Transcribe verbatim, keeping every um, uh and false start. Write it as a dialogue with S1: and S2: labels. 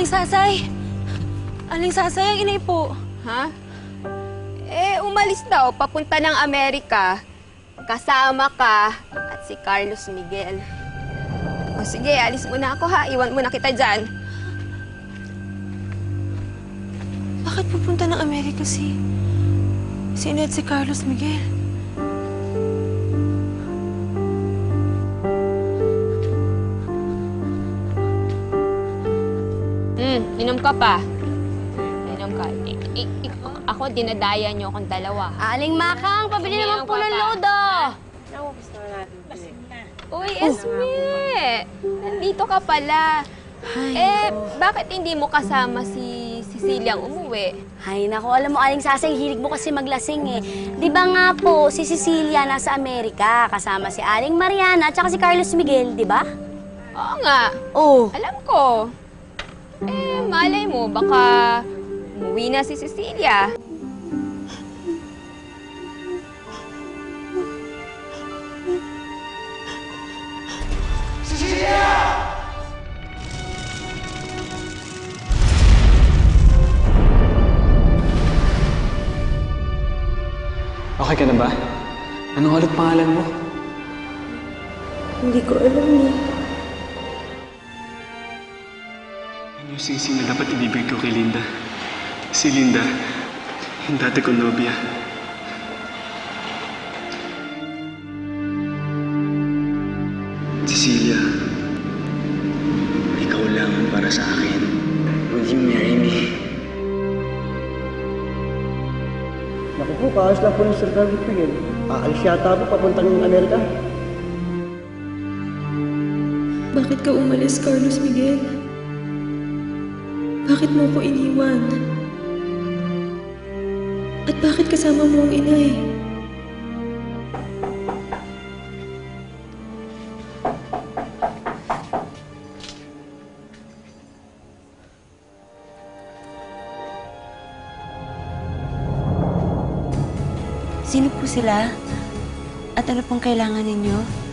S1: Sasay! Aling Sasay, ang inay po.
S2: Ha? Eh, umalis daw, papunta ng Amerika. Kasama ka at si Carlos Miguel. O sige, alis muna ako ha. Iwan muna kita dyan.
S1: Bakit pupunta ng Amerika si... si Ned, si Carlos Miguel?
S2: Hmm, inom ka pa. Inom ka. I I I ako, dinadaya niyo akong dalawa.
S3: Aling Makang, pabili naman po ng lodo.
S2: Uy, Esme! Nandito ka pala.
S1: Ay,
S2: Eh, bakit hindi mo kasama si Cecilia ang umuwi?
S3: Ay, naku, alam mo, Aling Sasay, hilig mo kasi maglasing eh. Di ba nga po, si Cecilia nasa Amerika, kasama si Aling Mariana at saka si Carlos Miguel, di ba?
S2: Oo nga.
S3: Oo.
S2: Alam ko. Eh, malay mo, baka umuwi na si Cecilia.
S4: Okay ka na ba? Anong ulit pangalan mo?
S1: hindi ko alam eh.
S4: Yan yung sisi na dapat ibibig ko kay Linda. Si Linda, yung dati kong nobya. Cecilia, ikaw lang ang para sa akin. Will you marry me?
S5: Naku po, kaayos lang po ng Sir Carlos Miguel. Aalis yata po papuntang Amerika.
S1: Bakit ka umalis, Carlos Miguel? Bakit mo ko iniwan? At bakit kasama mo ang inay? Sino po sila? At ano pong kailangan ninyo?